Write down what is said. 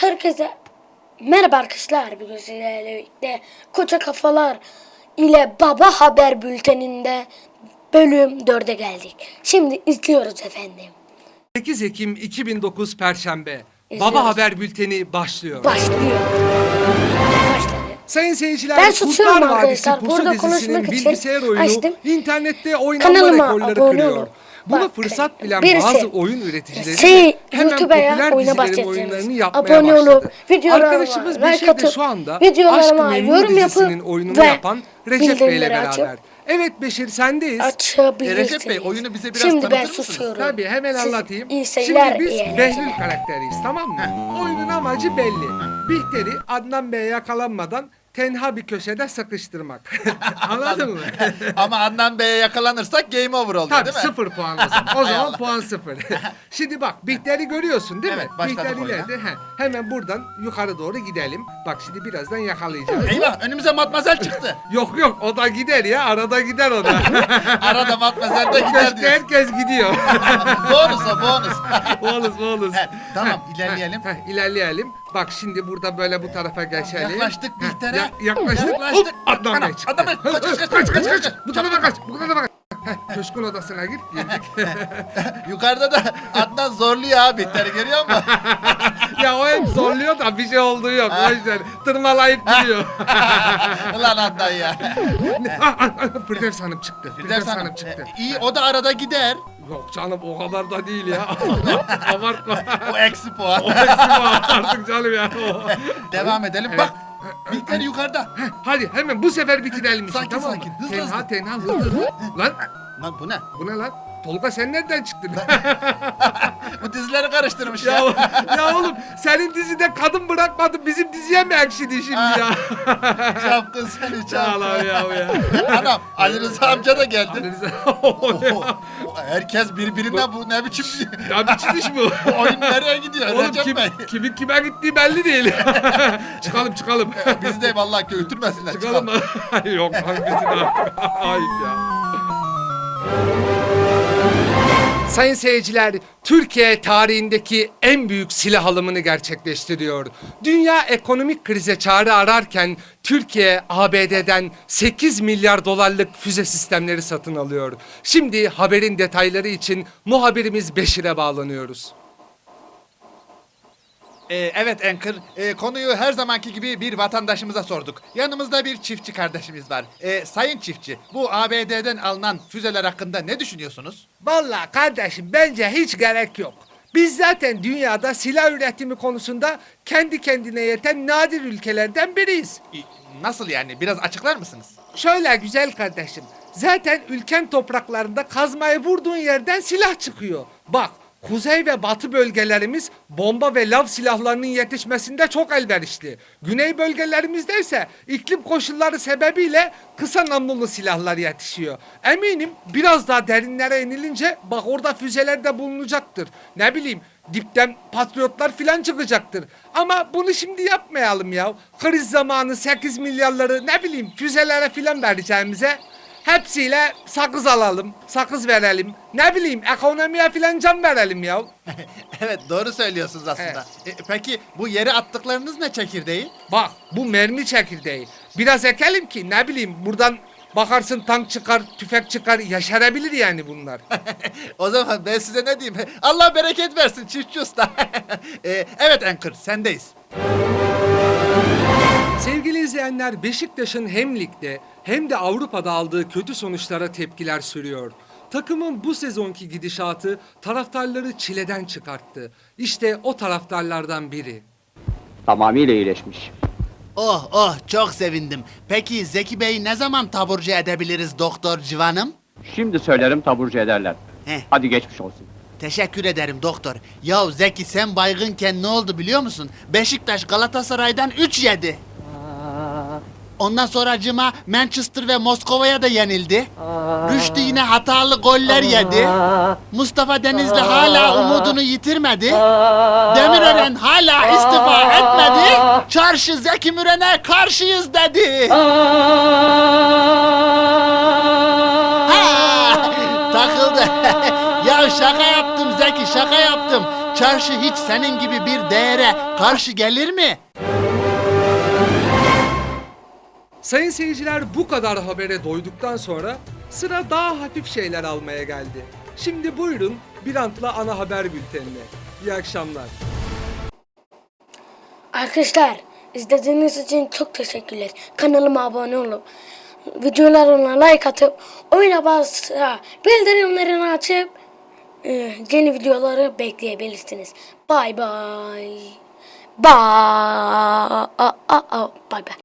Herkese merhaba arkadaşlar. Bugün sizlerle birlikte Koca Kafalar ile Baba Haber Bülteni'nde bölüm 4'e geldik. Şimdi izliyoruz efendim. 8 Ekim 2009 Perşembe. İzliyoruz. Baba Haber Bülteni başlıyor. Başladı. Sayın seyirciler, Ben susuyorum Kurtlar arkadaşlar. Vadisi Pusu Burada dizisinin konuşmak için bilgisayar oyunu açtım. internette oynanma Kanalıma rekorları abone kırıyor. olun. Buna Bak, fırsat bilen birisi bazı oyun üreticileri hemen YouTube'a popüler oyuna dizilerin başlayacaksınız. oyunlarını yapmaya Abone başladı. olup videolarıma Arkadaşımız like Beşir de atıp şu anda videolarıma Aşk-ı Memnu yorum yapıp dizisinin oyununu ve yapan Recep Bey ile bildirimleri beraber. açıp Evet Beşir, sendeyiz. açabilirsiniz. Recep Bey, oyunu bize biraz Şimdi ben tanıtır mısınız? susuyorum. Tabii, hemen Siz anlatayım. iyi seyirler, Şimdi biz iyi Behlül eğlenceler. karakteriyiz, tamam mı? Oyunun amacı belli. Bihter'i Adnan Bey'e yakalanmadan tenha bir köşede sıkıştırmak. Anladın mı? Ama Adnan Bey'e yakalanırsak game over oluyor Tabii değil mi? 0 puan o zaman. O Hay zaman Allah. puan 0. Şimdi bak, Bihter'i görüyorsun değil mi? Evet, başladık Bihter oyuna. ileride. Hemen buradan yukarı doğru gidelim. Bak şimdi birazdan yakalayacağız. Eyvah, önümüze matmazel çıktı. Yok o da gider ya, arada gider o da. Arada matmazel de gider Köşkte diyorsun. herkes gidiyor. Bonus o bonus. Bonus. Tamam, ilerleyelim. İlerleyelim. Bak şimdi burada böyle bu tarafa geçelim. Yaklaştık Bihter'e. Yaklaştık. Yaklaştık. Hop, Adnan Anam, Bey çıktı. Adnan Bey, kaç. Bu tarafa kaç. Bu tarafa kaç. Köşkün odasına gir. Girdik. Yukarıda da Adnan zorluyor abi Bihter'i görüyor musun? Ya o hep zorluyor da bir şey olduğu yok. O yüzden tırmalayıp duruyor. Ulan Adnan ya. Firdevs Hanım çıktı. Firdevs Hanım çıktı. İyi, o da arada gider. Yok canım, o kadar da değil ya. Abartma. O eksi puan. O hepsi var artık canım ya. Devam edelim. Evet. Bak, Bihter yukarıda. Hadi hemen bu sefer bitirelim işi, Sakin, tamam mı? sakin, hızlı, Tenha hızlı. Lan Lan bu ne? bu ne lan? Tolga sen nereden çıktın? Bu dizileri karıştırmış ya, ya. ya oğlum, senin dizide kadın bırakmadın, bizim diziye mi ekşidi şimdi ya? Çapkın seni çapkın. Allah'ım ya. Anam, Ali Rıza amca da geldi. Oho. Herkes birbirinden bu ne biçim Ya bir çiziş bu. bu oyun nereye gidiyor Oğlum Recep Bey? kimin kime gittiği belli değil. çıkalım. Biz de vallahi götürmesinler. Çıkalım. Yok lan, bizi de ayıp ya. Sayın seyirciler, Türkiye tarihindeki en büyük silah alımını gerçekleştiriyor. Dünya ekonomik krize çare ararken Türkiye ABD'den 8 milyar dolarlık füze sistemleri satın alıyor. Şimdi haberin detayları için muhabirimiz Beşir'e bağlanıyoruz. Evet Anchor, konuyu her zamanki gibi bir vatandaşımıza sorduk. Yanımızda bir çiftçi kardeşimiz var. Sayın çiftçi, bu ABD'den alınan füzeler hakkında ne düşünüyorsunuz? Vallahi kardeşim, bence hiç gerek yok. Biz zaten dünyada silah üretimi konusunda kendi kendine yeten nadir ülkelerden biriyiz. Nasıl yani? Biraz açıklar mısınız? Şöyle güzel kardeşim, zaten ülken topraklarında kazmayı vurduğun yerden silah çıkıyor. Bak, kuzey ve batı bölgelerimiz bomba ve lav silahlarının yetişmesinde çok elverişli. Güney bölgelerimizde ise iklim koşulları sebebiyle kısa namlulu silahlar yetişiyor. Eminim biraz daha derinlere inilince bak orada füzeler de bulunacaktır. Ne bileyim, dipten patriotlar filan çıkacaktır. Ama bunu şimdi yapmayalım ya. Kriz zamanı 8 milyarları ne bileyim füzelere filan vereceğimize hepsiyle sakız alalım, sakız verelim. Ne bileyim, ekonomiye filan can verelim ya. Evet, doğru söylüyorsunuz aslında. Peki bu yere attıklarınız ne çekirdeği? Bak, bu mermi çekirdeği. Biraz ekelim ki ne bileyim, buradan bakarsın tank çıkar, tüfek çıkar, yaşarabilir yani bunlar. O zaman ben size ne diyeyim? Allah bereket versin çiftçi usta. Evet Anchor, sendeyiz. Sevgili izleyenler, Beşiktaş'ın hem ligde hem de Avrupa'da aldığı kötü sonuçlara tepkiler sürüyor. Takımın bu sezonki gidişatı taraftarları çileden çıkarttı. İşte o taraftarlardan biri. Tamamıyla iyileşmiş. Oh çok sevindim. Peki Zeki Bey'i ne zaman taburcu edebiliriz Doktor Civan'ım? Şimdi söylerim taburcu ederler. Heh. Hadi geçmiş olsun. Teşekkür ederim doktor. Yahu Zeki, sen baygınken ne oldu biliyor musun? Beşiktaş Galatasaray'dan 3 yedi. Ondan sonracığıma Manchester ve Moskova'ya da yenildi. Rüştü yine hatalı goller yedi. Mustafa Denizli hala umudunu yitirmedi. Demirören hala istifa etmedi. Çarşı Zeki Müren'e karşıyız dedi. Ha, takıldı. Ya şaka yaptım Zeki, şaka yaptım. çarşı hiç senin gibi bir değere karşı gelir mi? Sayın seyirciler, bu kadar habere doyduktan sonra sıra daha hafif şeyler almaya geldi. Şimdi buyurun Birant'la ana haber bültenine. İyi akşamlar. Arkadaşlar izlediğiniz için çok teşekkürler. Kanalıma abone olup videolarına like atıp oyuna basıp bildirimlerini açıp yeni videoları bekleyebilirsiniz. Bye bye. Bye bye.